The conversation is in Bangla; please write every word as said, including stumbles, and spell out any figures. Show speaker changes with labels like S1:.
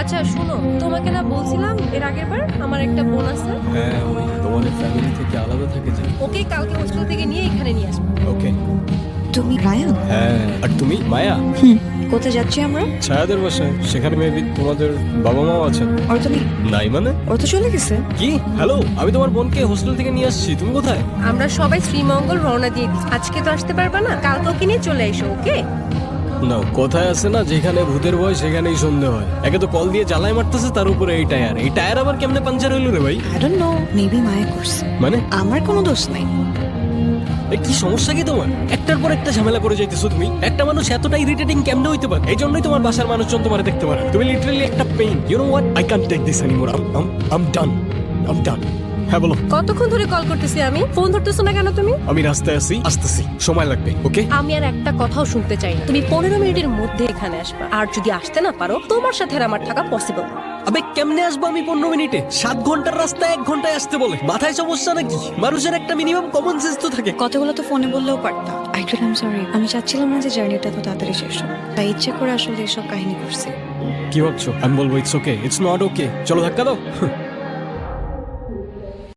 S1: আচ্ছা শোনো, তোমাকে না বলছিলাম এর আগের বার আমার একটা বোন আছে,
S2: হ্যাঁ ওই তোমাদের ফ্যামিলি থেকে আলাদা থাকে যে।
S1: ওকে কালকে হোস্টেল থেকে নিয়ে এখানে নিয়ে আসবো।
S2: ওকে।
S3: তুমি রায়ান?
S2: হ্যাঁ আর তুমি মায়া?
S3: হুম। কোথায় যাচ্ছি আমরা?
S2: ছায়াদের বাসায়, সেখানে মেবি তোমাদের বাবা মাও আছেন।
S3: ওর তো নেই।
S2: নাই মানে?
S3: ওর তো চলে গেছে।
S2: কি? হ্যালো, আমি তোমার বোনকে হোস্টেল থেকে নিয়ে আসছি, তুমি কোথায়?
S1: আমরা সবাই শ্রীমঙ্গল রওনা দিয়ে দিচ্ছি। আজকে তো আসতে পারবা না, কালকে ওকে নিয়ে চলে এসো। ওকে?
S2: না, কোথায় আছে না, যেখানে ভূতের ভয় সেখানেই সন্ধে হয়। একে তো কল দিয়ে জ্বালায় মারতেছে, তার উপরে এই টায়ার। এই টায়ার আবার কেমনে পাঞ্চার হইলো রে ভাই?
S3: আই ডোন্ট নো, মেবি মায়া করছে।
S2: মানে
S3: আমার কোনো দোষ নাই।
S2: এ কি সমস্যা কি তোমার? একটার পর একটা ঝামেলা করে যাইতেছো তুমি। একটা মানুষ এতটা ইরিটেটিং কেমনে হইতে পারে? এই জন্যই তোমার বাসার মানুষজন তোমার দেখতে পারে। তুমি লিটারালি একটা pain. You know what, I can't take this anymore. I am I am done. I am done. হ্যাঁ বলো।
S1: কতক্ষণ ধরে কল করতেছি আমি, ফোন ধরতেছো না কেন তুমি?
S2: আমি রাস্তায় আছি, আসতেছি, সময় লাগবে। ওকে?
S1: আমি আর একটা কথাও শুনতে চাই না। তুমি পনেরো মিনিটের মধ্যে এখানে আসবা, আর যদি আসতে না পারো তোমার সাথে আর আমার থাকা পসিবল না।
S2: আবে কেমনে আসবো আমি পনেরো মিনিটে? সাত ঘন্টার রাস্তা এক ঘন্টায় আসতে বলে? মাথায় সমস্যা নাকি? মানুষের একটা মিনিমাম কমন সেন্স তো থাকে।
S3: কতগুলো তো ফোনে বললেও পারতাম। অ্যাকচুয়ালি আই এম সরি, আমি চাচ্ছিলাম না যে জার্নিটা তো তাড়াতাড়ি শেষ হোক, তাই ইচ্ছে করে আসলে এসব কাহিনী করছি।
S2: কি ভাবছো আমি বলবো it's okay? It's not okay. চলো ধাক্কা দাও।